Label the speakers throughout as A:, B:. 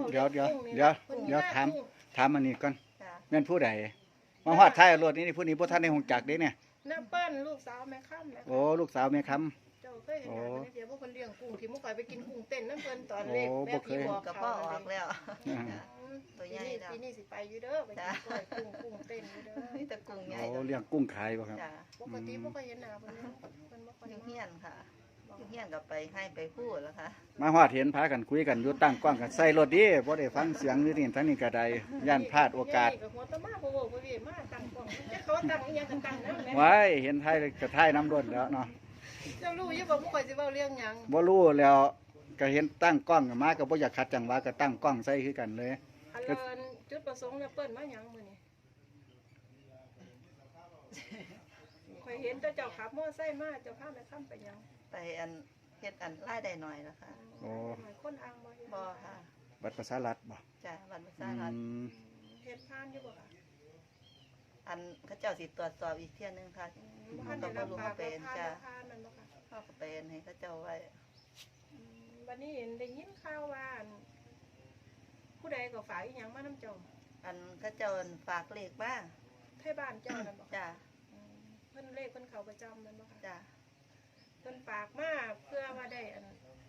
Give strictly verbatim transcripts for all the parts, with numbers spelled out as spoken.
A: เดี๋ยวเดี๋ยวเดี๋ยวเดี๋ยวถามถามอันนี้ก่อน
B: จ้ะ
A: แม่นผู้ใดมาฮอดท้ายรถนี่ผู้นี้บ่ทันได้ฮู้จักเด้เนี่ย
C: น้ำเปิ้ลลูกสาวแม่ค่ำนะคะ
A: โอ้ลูกสาวแม่คำ
C: เจ้าเคยเห็นหน้าเพิ่นเดี๋ยวพวกคนเลี้ยงกุ้งที่มุกคอยไปกินกุ้งเต้นน้ำเปิ้ลตอนเล็ก
A: โอ้
C: แม่
A: บ่เค
C: พี่
A: ย
C: บอก
B: กับ
C: เขา
B: พ่อออกแล้ว
A: อ่า
B: จ้ะ ตัวใหญ่แล้ว
C: ปีนี้สิไปอยู่เด้อไปกินกล้อยกุ้งกุ้งเต้นอยู่เด้อ
B: นี่ตะกุ้งใหญ่
A: โอ้เลี้ยงกุ้งขายบ่ครับ
B: จ้ะ
C: ปกติบ่เคยเห็นหน้าเพิ่นเลยเพิ่นบ่ค่อย
B: อยู่
C: มา
B: เฮียนค่ะอยู่เฮียนกับไปให้ไปพูดแล้วค่ะ
A: มาฮอดเห็นพากันคุยกันอยู่ตั้งกล้องกันใส่รถดีบ่ได้ฟังเสียงอยู่นี่ทั้งนี้ก็ได้ย่านพลาดโอกาส
C: นี่หัวตะมาบ่เว้าบ่เว้มาตั้งกล้องจะเขาตั้งอีหยังก็ตั้งนำแหละ
A: ไว้เห็นท้ายก็ท้ายน้ำรถแล้วเนาะ
C: เจ้ารู้อยู่บ่มุกคอยสิเว้าเรื่องหยัง
A: บ่รู้แล้วก็เห็นตั้งกล้องมาก็บ่อยากขัดจังหวะก็ตั้งกล้องใส่คือกันเลย
C: อันเลินจุดประสงค์เนี่ยเปิ้นมาหยังมื้อนี้ข่อยเห็นแต่เจ้าขับมอไซค์มาเจ้าพาแม่ค่ำไปหยัง
B: ไปอันเฮ็ดอันไล่ได้หน่อยแล้วค่ะ
A: โอ้
C: คนอ่างบ่เฮ็ด
B: บ่ค่ะ
A: บัตรประชารัฐบ่
B: จ้ะบัตรประ
A: อื
B: ชาชน
A: ม
C: เฮ็ดผ่านอยู่บ่ค่ะ
B: อันเขาเจ้าสิตรวจสอบอีกเที่ยนึงค่ะ
C: ผ่าน
B: ก็
C: ได้
B: บ่
C: รับ
B: รู้
C: ปา
B: เขา
C: ก
B: เป็น
C: ผ่าน
B: จ้ะ
C: ผ่านนั่นบ่ค่ะ
B: เขาก็เป็นให้เขาเจ้าไว้
C: วันนี้เห็นได้ยินข่าวว่าอันผู้ใดก็ฝากอีหยังมานำเจ้า
B: อันเขาเจ้าฝากเลขมา
C: ไทบ้านเจ้านั่นบ่ค่ะ
B: จ้ะ
C: อืมเพิ่นเลขเพิ่นเข้าประจำนั่นบ่ค่ะ
B: จ้ะ
C: เพิ่นฝากมาเพื่อว่าได้อัน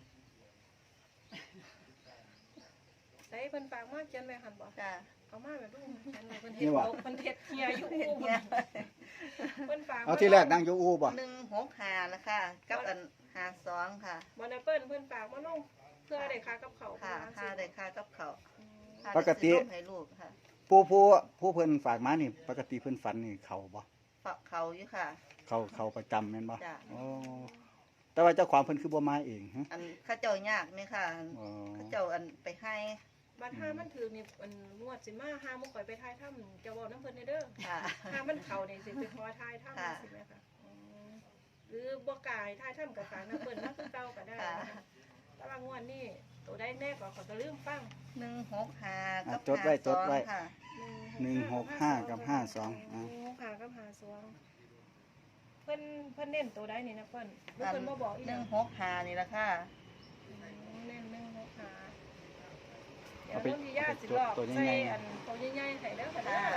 C: ใส่เพิ่นฝากมาเขียนไว้หั่นบ่
B: จ้ะ
C: เอามาแบบลูกเขียนไว้เพิ่นเฮ็ดโลกเพิ่นเฮ็ดเฮียอยู่
B: เฮ็ด
C: อู้
B: เนี่ย
C: เพิ่นฝาก
A: เอาที่แรกนั่งอยู่อู่บ่
B: หนึ่งหกห้าละค่ะกับอันห้าสองค่ะ
C: บ่นะเปิ้นเพิ่นฝากมาลงเพื่อได้ค่ากับเขาว
B: ค่ะ
C: เพิ่น
B: ค่า
C: ว่า
B: ได้ค่ากับเขาว
C: อืม
B: ค่า
A: ปกติ
B: ได้ซื้อนมให้ลูกค่ะ
A: ผู้ผู้ผู้เพิ่นฝากมานี่ปกติเพิ่นฝันนี่เขาบ่
B: ฝากเขาอยู่ค่ะ
A: เขาเขาประจำแม่นบ่
B: จ้ะ
A: โอ้แต่ว่าเจ้าของเพิ่นคือบ่มาเองฮะ
B: อันเข้าเจ้ายากไหมค่ะ
A: อ๋อ
B: เข้าเจ้าอันไปให้
C: บัดห้ามันถือนี่อันงวดสิมาห้ามุกข่อยไปทายถ้ำจะเว้าน้ำเพิ่นเด้อ
B: ค่ะ
C: ห้ามันเข้านี่สิไปขอทายถ้ำ
B: ค่ะ
C: สิแม่ค่ะอืมหรือบ่กายทายถ้ำกับฝากน้ำเปิ้นมาคือเก่าก็ได้
B: ค่ะ
C: นะคะแต่ว่างวดนี้ตัวได้แน่ก็ขอยก็ลืมฟัง
B: หนึ่งหกห้า
A: อ่ะ
B: กับ
A: จดไว้
B: ห้า
A: จ
B: ส
A: ด
B: อง
A: ไว้
B: ค่ะ
A: หนึ่งหกห้ากับห้าสองอ่ะ
C: หนึ่งหกห้ากับห้าสองเพิ่นเพิ่นเน้นตัวใดนี่นะเพิ่นบ่เพิ่นบ่บอกอีก
B: หนึ่งหกห้านี่ละค่ะ
C: เน้นหนึ่งหกห้าเดี๋ย
A: เอา
C: ว
A: ไป
C: ต้นที่ญาติสิหลอก
A: ตัว
C: ใส่
A: ใหญ่ๆ
C: อันตัวใหญ่ๆให้เด้อค่ะเด้อ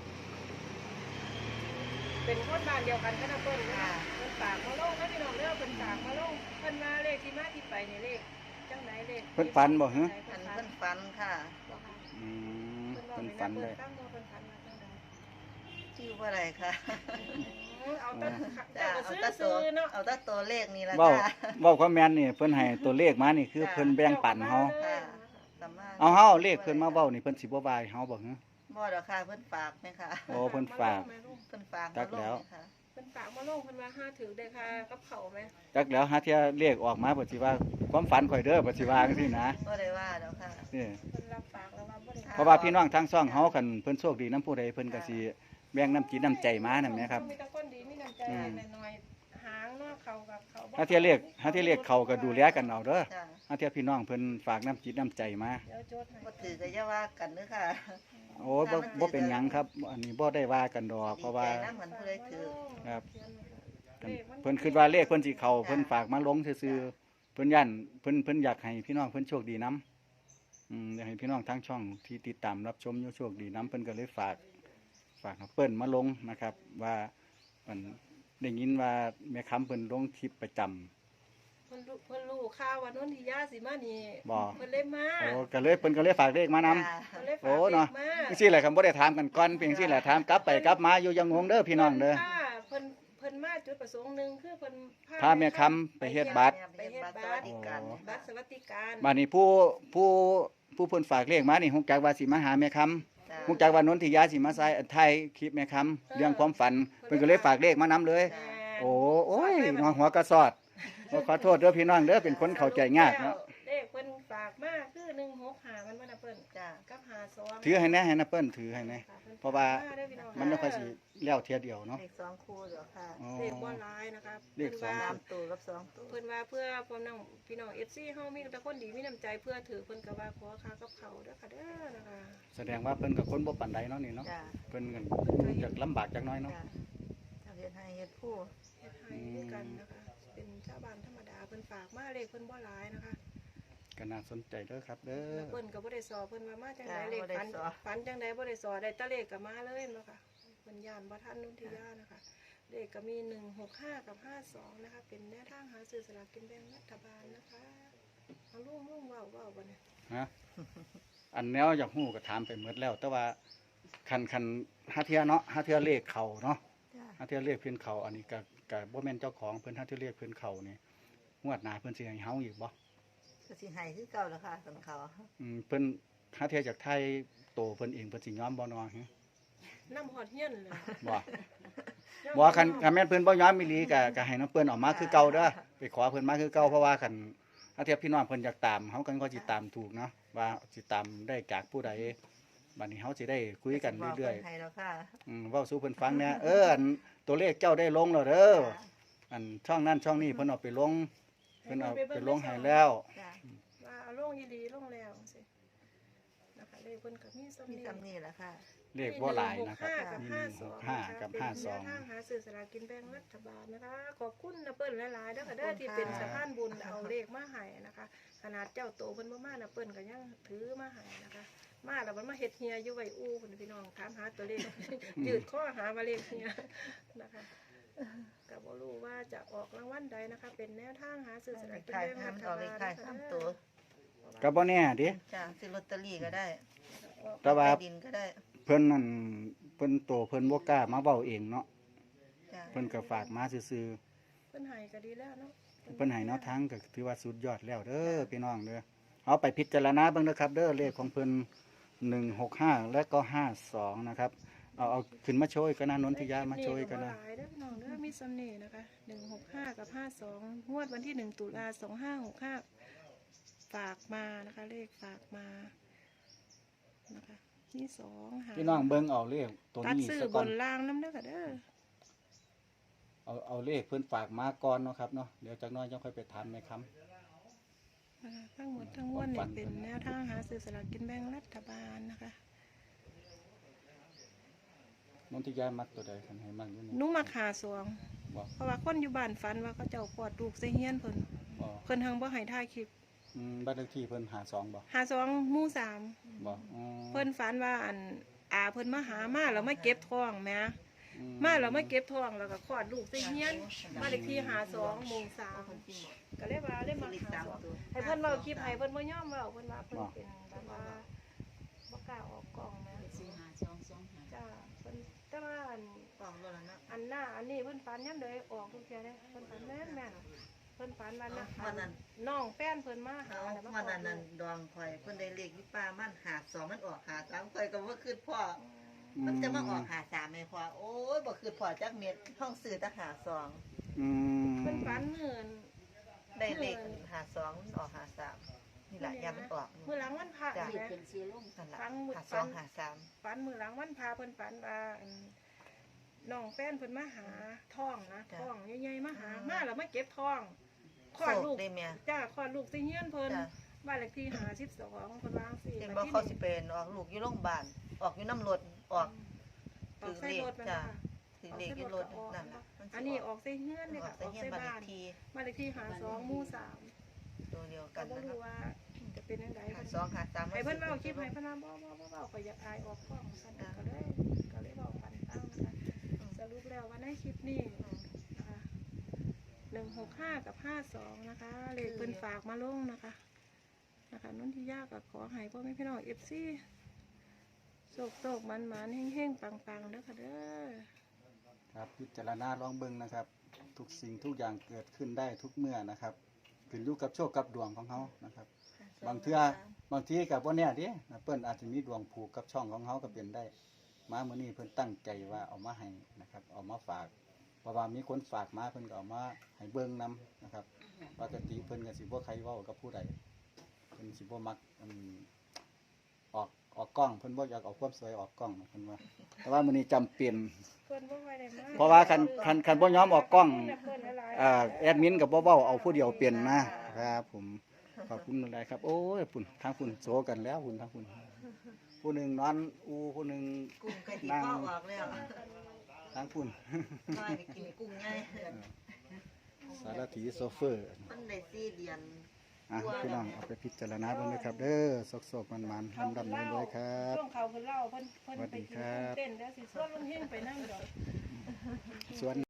C: เป็นคนบ้านเดียวกันกันนะเพิ่นนะ
B: ค่ะ
C: เพิ่นฝากมาลงนะพี่น้องเด้อเพิ่นฝากมาลงเพิ่นมาเลขที่มาที่ไปนี่เลขจังไหนเลข
A: เพิ่นฝันบ่ฮะ
B: อันเพิ่นฟันค่ะ
C: บ่ค่ะ
A: อืม
C: เพิ่นว่า
A: เพิ่น
C: ให้
A: ฝัน
C: เพิ่
A: เล
C: น
A: ย
C: ตั้งว่าเพิ่นฝันมาจังได
B: ชื่อว่าอะไรค่ะ
C: เอาแต่
B: จ้ะ
C: เจ้าก็
B: เอา
C: ซื้อ
B: แต่ตั
C: ซื้
B: ว
C: อเนาะ
B: เอาแต่ตัวเลขนี่ละ
A: เว้า
B: ค่ะ
A: เว้าความแม่นนี่เพิ่นให้ตัวเลขมานี่คือเพิ่นแบ่งปันเฮา
B: ค่ะสามารถ
A: เอาเฮาเลขเพิ่นมาเว้านี่เพิ่นสิบ่บายเฮาบ่ฮะ
B: บ่ดอกค่ะเพิ่นฝากไหมค่ะ
A: โอ้เพิ่นฝาก
B: เพิ่นฝาก
A: จักแล้ว
B: มางไหมค่ะ
C: เพิ่นฝากมาลงเพิ่นว่าห้าถือได้ค่ะกับเขาไหม
A: จักแล้วหาเที่ยเลขออกมาเพิ่นสิว่าความฝันข่อยเด้อเพิ่นสิว่าจังซี่นะ
B: บ่ได้ว่าดอกค่ะ
A: นี่
C: เพิ่นรับปากแล้วว่าบ่ได้
A: เพราะว่าพี่น้องทางช่องเฮาคันเพิ่นโชคดีนํผู้ใดเพิ่นก็สิแบ่งน้ำจิตน้ำใจมานั่นแหละครับ
C: มีแต่คนดีมีน้ำใจ
A: อืม
C: น้อยๆหางเนาะเขากับเขาบ่
A: หาเที่ยเลขหาเที่ยเลขเขาก็ดูแลกันเอาเด้อ
B: จ้ะ
A: หาเที่ยพี่น้องเพิ่นฝากน้ำจิตน้ำใจมา
C: เดี๋ยวโจทย์ให้
B: บ่ถือก็อย่าว่ากันเด้อค่ะ
A: โอ้ยบ่บ่เป็นหยังครับ อันนี้บ่ได้ว่ากันดอกเพราะว่า
B: ดีใจนำเหมือนผู้ใดถือ
A: ครับ
C: เลขมัน
A: เพิ่นคิดว่าเลขเพิ่นสิเข้าเพิ่นฝากมาลงซื่อๆเพิ่นย่านเพิ่นเพิ่นอยากให้พี่น้องเพิ่นโชคดีนํอืมอยากให้พี่น้องทางช่องที่ติดตามรับชมอยู่โชคดีนํเพิ่นก็เลยฝาก ฝากให้เปิ้นมาลงนะครับ ว่ามันได้ยินว่าแม่ค้ำเพิ่นลงคลิปประจำ
C: เพิ่นรู้เพิ่นรู้ข่าวว่านนทิยาสิมานี่
A: บ่
C: เพิ่นเลยมา
A: โอ้ก็เลยเพิ่นก็เลยฝากเลขมานำ
B: จ้ะ
C: เพิ่นเลยฝาก
A: โอ้
C: เล
A: เนาะ
C: ขมา
A: จังซี่แหละครับบ่ได้ถามกันก่อนเพียงซี่แหละถามกลับไปกลับมาอยู่ยังงงเด้อพี่น้องเด้อ
C: พิ่ค่ะเพิ่นเพิ่นมาจุดประสงค์หนึงคือเพิ่น
A: พาแม่ค้ำไปเฮ็ดบัตร
B: ไปเฮ็ดบัตรสวัสดิการ
C: บัตรสวัสดิการ
A: บัดนี้ผู้ผู้ผู้เพิ่นฝากเลขมานี่ฮู้จักว่าสิมาหาแม่ค้ำ
B: จ้ะ
A: ฮู้จักว่านนทิยาสิมาใส่ถ่ายคลิปแม่ค้ำเรื่องความฝันเพิ่นก็เลยฝากเลขมานำเลย
C: แต่
A: โอ้โอ้ยน้องหัวกระสอดขอโทษเด้อพี่น้องเด้อเป็นคนเข้าใจยากเนาะ
C: เลขเพิ่นฝากมาคือหนึ่งหกห้ามันบ่น่ะเพิ่น
B: จ้ะ
C: กับห้าสอง
A: ถือให้แน่ให้นะเปิ้นถือให้แน่
C: ค่ะพิ่น
A: เพราะว่า
C: ฝกเด้อพี่อง
A: มันบ่ค่อยสิแล้วเที่ยเดียวเนาะ
B: เลขสองคู่เดี๋ยวค่ะ
A: อ๋อ
C: เลขบ่หลายนะคะ
A: เลขสอง
C: พิ่น
B: สา
C: ว่า
B: มตัวกับสองตัว
C: เพิ่นว่าเพื่อพ่อน้องพี่น้อง เอฟ ซี เฮามีแต่คนดีมีน้ำใจเพื่อถือเพิ่นก็ว่าขอค่ากับเขาวเด้อค่ะเด้อนะคะ
A: แสดงว่าเพิ่นก็คนบ่ปานใดเนาะนี่เนาะ
B: จ้ะ
A: เพิ่นก็จักลำบากจักหน้อยเนาะ
B: จ้ะเอาเฮ็ดให้เฮ็ดผู้
C: เฮ็ดให้ด้วยกันนะคะ เป็นชาวบ้านธรรมดาเพิ่นฝากมาเลขเพิ่นบ่หลายนะคะ
A: ก็น่าสนใจเด้อครับเด้อ
C: เพิ่นก็บ่ได้สอเพิ่นว่ามาจังได
B: จ้ะ
C: เลข
B: บ่ได้
C: ฝัน
B: สอ
C: ฝันจังไดบ่ได้สอได้แตะเลขก็มาเลยเนาะค่ะเพิ่นย่านบ่ทันนุ่นทิยานะคะ เลขก็มีหนึ่งหกห้ากับห้าสองนะคะ เป็นแนวทางหาซื้อสลากกินแบ่งรัฐบาลนะคะเอาลุงลุงเว้าเว้าบ่เนี่ย
A: ฮะอันแนวอยากฮู้ก็ถามไปหมดแล้ว แต่ว่าคันคันหาเทื่อเนาะหาเทื่อเลขเข้าเนาะ
B: จ้ะ
A: หาเทื่อเลขเพิ่นเข้าอันนี้ก็ก็บ่แม่นเจ้าของเพิ่นหาเทื่อเลขเพิ่นเข้านี่งวดหน้าเพิ่นสิให้เฮาอีกบ่
B: ก็สิให้คือเก่าแล้วค่ะสันเขา
A: อืมเพิ่นหาเทื่อจากไทยโตเพิ่นเองเพิ่นสิยอมบ่เนาะฮะ
C: น้ำหอดเฮียนเลย
A: บ่บ่คันคันแม่นเพิ่นบ่ยอมอีหลีก็ก็ให้น้องเพิ่นออกมาคือเก่าเด้อไปขอเพิ่นมาคือเก่าเพราะว่าคันหาเทื่อพี่น้องเพิ่นอยากตามเฮากันก็สิตามถูกเนาะว่าสิตามได้จากผู้ใดบัดนี้เฮาสิได้คุยกันเรื่อย
B: ๆให้แล้วค่ะ
A: ๆอืมเว้าสู่เพิ่นฟังแหน่เอออันตัวเลขเจ้าได้ลงแล้วเด้ออันช่องนั้นช่องนี้เพิ่นเอาไปลงเพิ่นเอาไปลงให้แล้ว
B: จ้ะ
C: ว่าเอาลงอีหลีลงแล้วสินะคะเลขเพิ่นก็มีซ้ำ
B: มี
C: นี่
B: ซ้ำนี่แหละค่ะ
A: เลขบ่หลายนะครับ
C: กับ
A: มี
C: ห้า
A: ห
C: สอง
A: กห้ากับห้าสอง
C: เป็นแนวทางหาซื้อสลากกินแบ่งรัฐบาลนะคะ ขอบคุณนะเปิ้ลหลายๆเด้อค่ะเด้อที่เป็นสะพานบุญเอาเลขมาให้นะคะ ขนาดเจ้าโตเพิ่นบ่มานะเปิ้ลก็ยังถือมาให้นะคะ มาแล้วมันมาเฮ็ดเฮียอยู่ไว้อู้พุ่นพี่น้องถามหาตัวเลข ยืดข้อหามาเลขเฮียนะคะก็บ่รู้ว่าจะออกรางวัลใดนะคะ เป็นแนวทางหาซื้อสลากกิน
B: ขาย
C: แบ่งรั
B: ทำ
C: ฐ
B: ต่อบ
C: า
B: เล
C: ล
B: ข
C: นะ
B: ขาย
C: คะ
B: ซ้ำ
C: เด้
B: ตัว
C: อ
A: ก็บ่แน่เดิ
B: จ้ะซื้อลอตเตอรี่ก็ได้
A: แต่ว่า
B: ดินก็ได้
A: เพิ่นนั่นเพิ่นโตเพิ่นบ่กล้ามาเว้าเองเนาะ
B: จ้ะ
A: เพิ่นก็ฝากมาซื่อ
C: เพิ่นให้ก็ดีแล้วเนาะ
A: ๆเพิ่นให้แนวทางก็ถือว่าสุดยอดแล้วเด้อพี่น้องเด้อเอาไปพิจารณาเบิ่งเด้อครับ เด้อเลขของเพิ่นหนึ่งหกห้าและก็ห้าสองนะครับเอาเอาขึ้นมาโชยกันนะนนทิยามาโชยกันนะ
C: หลายเด้อพี่น้องเด้อมีสำเนีนะคะหนึ่งหกห้ากับห้าสองงวดวันที่หนึ่งตุลาสองห้าหกห้าฝากมานะคะ เลขฝากมานะคะที่สองหา
A: พี่น้องเบิ่งเอาเลขตัว
C: ตัด
A: นี้
C: ซื้อ
A: ซะ
C: บ
A: ก่อน
C: นล่างน้ำเด้อค่ะเด้อ
A: เอาเอาเลขเพิ่นฝากมาก่อนเนาะครับเนาะเดี๋ยวจักหน้อยจังค่อยไปถามในคำ
C: นะคะทั้งหมดทั้งมวลเนี่ยเป็นแนวทางหาซื้อสลากกินแบ่งรัฐบาลนะคะ
A: นนทิยามักตัวใดคันให้มักอยู่นี่
C: หนุ่มาขาสวง
A: บ่
C: เพราะว่าคนอยู่บ้านฝันว่าเขาเจ้ากอดลูกใส่เฮียนเพิ่น
A: บ่
C: เพิ่นทังบ่ให้ถ่ายคลิป
A: อืมบ้านเลขที่เพิ่นหาสองบ่
C: หาสองหมู่สาม
A: บ่อืม
C: เพิ่นฝันว่าอันอาเพิ่นมาหามาแล้วมาเก็บทองแหม่
A: อื
C: มาแล้วมาเก็บทองแล้วก็คลอดลูกใส่เฮียนมานเลขที่หาสองหมู่สามก็เลยว่าเลยมาหาสองให้เพิ่นเว้าคลิปให้เพิ่นบ่ยอมเว้าเพิ่นว่าเพิ่นเป็นแบบว่าบ่กล้าออกกล้องแหม่
D: สี่ห้าสองสองห้า
C: จ้าเพิ่นแต่ว่าอัน
B: กล่องตัวละเนาะ
C: อันหน้าอันนี้เพิ่นฝันยามใดออกทุกเที่ยเด้เพิ่นฝันแม่นแม่นเพิ่นฝันว่านะ
B: วันนั้น
C: น้องแป้นเพิ่นมาหา
B: เอา
C: แล้วมา
B: วัน
C: กอ
B: นั้
C: ด
B: น
C: ลู
B: นั่น
C: ก
B: ดองข่อยเพิ่นได้เลขที่ป้ามันหาสองมันออกหาสามข่อยก็บ่คืดพ่อ มันจะมาออกหาสามไหมพ่อโอ้ยบ่คืดพ่อจักเม็ดห้องซื้อแต่หาสอง
A: อืม
C: เพิ่นฝันเหมือน
B: ได้เลขหาสองมันออกหาสามนี่แหละยามมันออก
C: มื้อหลังวันพระ
B: จ้ะ
C: นี่แหละ
D: เป็นซื้อลง
B: นั่นล่ะ
C: ฟัง
B: หาสองหาสาม
C: ฝันมื้อหลังวันพระเพิ่นฝันว่าอันน้องแป้นเพิ่นมาหาทองนะทองใหญ่ๆมาหามาแล้วมาเก็บทองคลอดลูก
B: ได้แม่
C: จ้าคลอดลูกใส่เฮียนเพิ่น
B: จ้ะ
C: บ้านเลขที่ห้าสิบสองเพิ่นวางสิ
B: เห็นบ่เขาสิเป็นออกลูกอยู่โรงพยาบาลออกอยู่น้ำรถออก
C: ออกใส่รถมัน
B: จ้ะ
C: ค่ะ
B: ถือเลขอยู่รถนั่นน่ะมัสิ
C: อันนี้ออกใส่เฮือนนี่
B: ออ
C: ค่ะ
B: กใส่
C: ออก
B: เฮียน
C: ใส่
B: บ้านเล
C: บ้า
B: ข
C: น
B: ที่
C: บ้านเลขที่หาสองหมู่สาม
B: ตัวเดียว
C: ก็
B: กัน
C: บ่
B: นะค
C: รู้
B: รับ
C: ว่าจะเป็นจังได
B: หาสองหาสาม
C: ให้เพิ่นเว้าคลิปให้เพิ่นว่าบ่บ่บ่เว้าก็อยากอายออกกล้องซั่นก็เลยก็เลยเว้าปันตั้งนะคะสรุปแล้วว่าในคลิปนี้นะคะหนึ่งหกห้ากับห้าสองนะคะเลขเพิ่นฝากมาลงนะคะนะคะนุ่นที่ยากก็ขอให้พ่อแม่พี่น้อง เอฟ ซีโศกโศกมันมันๆเฮงๆปังๆเด้อค่ะเด้อ
A: ครับพิจารณาลองเบิ่งนะครับ ทุกสิ่งทุกอย่างเกิดขึ้นได้ทุกเมื่อนะครับขึ้นอยู่กับโชคกับดวงของเขานะครับ บางเทื่อบางทีกับว่าเนี่ยดินะเปิ้นอาจจะมีดวงผูกกับช่องของเขาก็เป็นได้ มามื้อนี้เพิ่นตั้งใจว่าเอามาให้นะครับเอามาฝากเพราะว่ามีคนฝากมาเพิ่นก็เอามาให้เบิ่งนํนะครับปกติเพิ่นก็สิบ่ใครเว้ากับผู้ใดเพิ่นสิบ่มักอืมออกออกกล้องเพิ่นบ่อยากเอาความสวยออกกล้องเพิ่นว่าแต่ว่ามื้อนี้จำเป็น
C: เพิ่นบ่ค่อยได้มา
A: เพราะว่าคันคันคันบ่ยอมออกกล้อง
C: เพิ่นหลายๆ
A: อ่าแอดมินก็บ่เว้าเอาผู้เดียวเป็นนะครับผมขอบคุณหลายๆครับโอ้ยพุ่นทางพุ่นโซกันแล้วพุ่นทางพุ่นผู้หนึงนอนอูผู้หนึง
B: กุ้งไก่ที่พ่อออกแล้ว
A: ทางพุ่น
B: น้อยไปกินกุ้งง่าย
A: สารถีโซเฟอร์
B: มันได้สี่เดือน
A: อ่ะพี่น้องเอาไปพิจารณาเบิ่งเลยครับ เด้อสกๆมันๆ
C: เขา
A: ดำ
C: เพิ่น
A: ๆร
C: เล่า
A: วยๆครับ
C: ช่วงเขาเพิ่นเล่าเพิ่นเพิ่น
A: สวัส
C: ไป
A: ดี
C: กิน
A: ครับ
C: เต้นแล้วสิส่วนลุงเฮงไปนั่งดอก
A: ส่วน